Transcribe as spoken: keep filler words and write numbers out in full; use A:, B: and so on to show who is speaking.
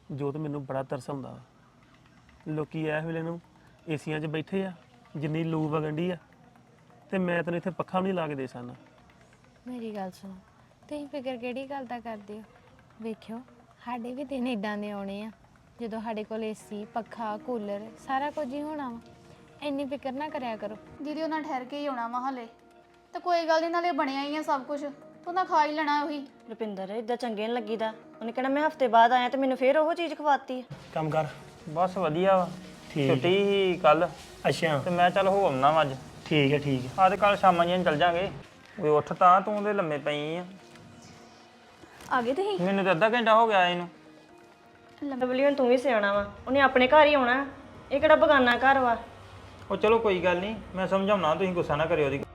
A: ਜੋ ਤੇ ਮੈਨੂੰ ਬੜਾ ਤਰਸ ਆਉਂਦਾ ਵਾ। ਲੋਕੀ ਇਸ ਵੇਲੇ ਨੂੰ ਏਸੀਆਂ 'ਚ ਬੈਠੇ ਆ, ਜਿੰਨੀ ਲੂ ਵਗਣ ਡਈ ਆ, ਤੇ ਮੈਂ ਤੈਨੂੰ ਇੱਥੇ ਪੱਖਾ ਵੀ ਨਹੀਂ ਲਾ ਕੇ ਦੇ ਸਕਦਾ।
B: ਮੇਰੀ ਗੱਲ ਸੁਣੋ, ਤੁਸੀਂ ਫਿਕਰ ਕਿਹੜੀ ਗੱਲ ਦਾ ਕਰਦੇ ਹੋ? ਵੇਖਿਓ ਸਾਡੇ ਵੀ ਦਿਨ ਇਦਾਂ ਦੇ ਆਉਣੇ ਆ ਜਦੋਂ ਸਾਡੇ ਕੋਲ ਏਸੀ ਪੱਖਾ ਕੂਲਰ ਸਾਰਾ ਕੁਝ ਹੀ ਹੋਣਾ ਵਾ। ਇੰਨੀ ਫਿਕਰ ਨਾ ਕਰਿਆ ਕਰੋ।
C: ਦੀਦੀ ਉਹਨਾਂ ਠਹਿਰ ਕੇ ਹੀ ਆਉਣਾ ਵਾ ਹਲੇ, ਤੇ ਕੋਈ ਗੱਲ ਨਹੀਂ, ਨਾਲੇ ਬਣਿਆ ਹੀ ਆ ਸਭ ਕੁਝ, ਤੂੰ ਨਾ ਖਾ ਹੀ ਲੈਣਾ ਉਹੀ।
D: ਰੁਪਿੰਦਰ ਇਦਾਂ ਚੰਗੇ ਨਹੀਂ ਲੱਗੀਦਾ। ਉਹਨੇ ਕਹਿਣਾ ਮੈਂ ਹਫਤੇ ਬਾਅਦ ਆਇਆ ਤੇ ਮੈਨੂੰ ਫੇਰ ਉਹ ਚੀਜ਼ ਖਵਾਤੀ।
A: ਕੰਮ ਕਰ।
E: ਬਸ ਵਧੀਆ ਵਾ।
A: ਠੀਕ।
E: ਛੁੱਟੀ ਹੀ ਕੱਲ
A: ਅੱਛਾ
E: ਤੇ ਮੈਂ ਚੱਲ ਹੋ ਆਉਣਾ ਵਾ ਅੱਜ।
A: ਠੀਕ ਹੈ ਠੀਕ ਹੈ।
E: ਆ ਤੇ ਕੱਲ ਸ਼ਾਮਾਂ ਜੀਆਂ ਚੱਲ ਜਾਾਂਗੇ। ਓਏ ਉੱਠ ਤਾਂ, ਤੂੰ ਤੇ ਲੰਮੇ ਪਈ ਆ।
C: ਆ ਗਏ ਤੁਸੀਂ?
E: ਮੈਨੂੰ ਤਾਂ ਅੱਧਾ ਘੰਟਾ ਹੋ ਗਿਆ ਇਹਨੂੰ।
D: ਲਵਲੀ ਹੁਣ ਤੂੰ ਵੀ ਸਿਆਣਾ ਵਾ, ਉਹਨੇ ਆਪਣੇ ਘਰ ਹੀ ਆਉਣਾ, ਇਹ ਕਿਹੜਾ ਬਗਾਨਾ ਘਰ ਵਾ।
E: ਉਹ ਚਲੋ ਕੋਈ ਗੱਲ ਨਹੀਂ, ਮੈਂ ਸਮਝਾਉਣਾ, ਤੁਸੀਂ ਗੁੱਸਾ ਨਾ ਕਰਿਓ ਉਹਦੀ।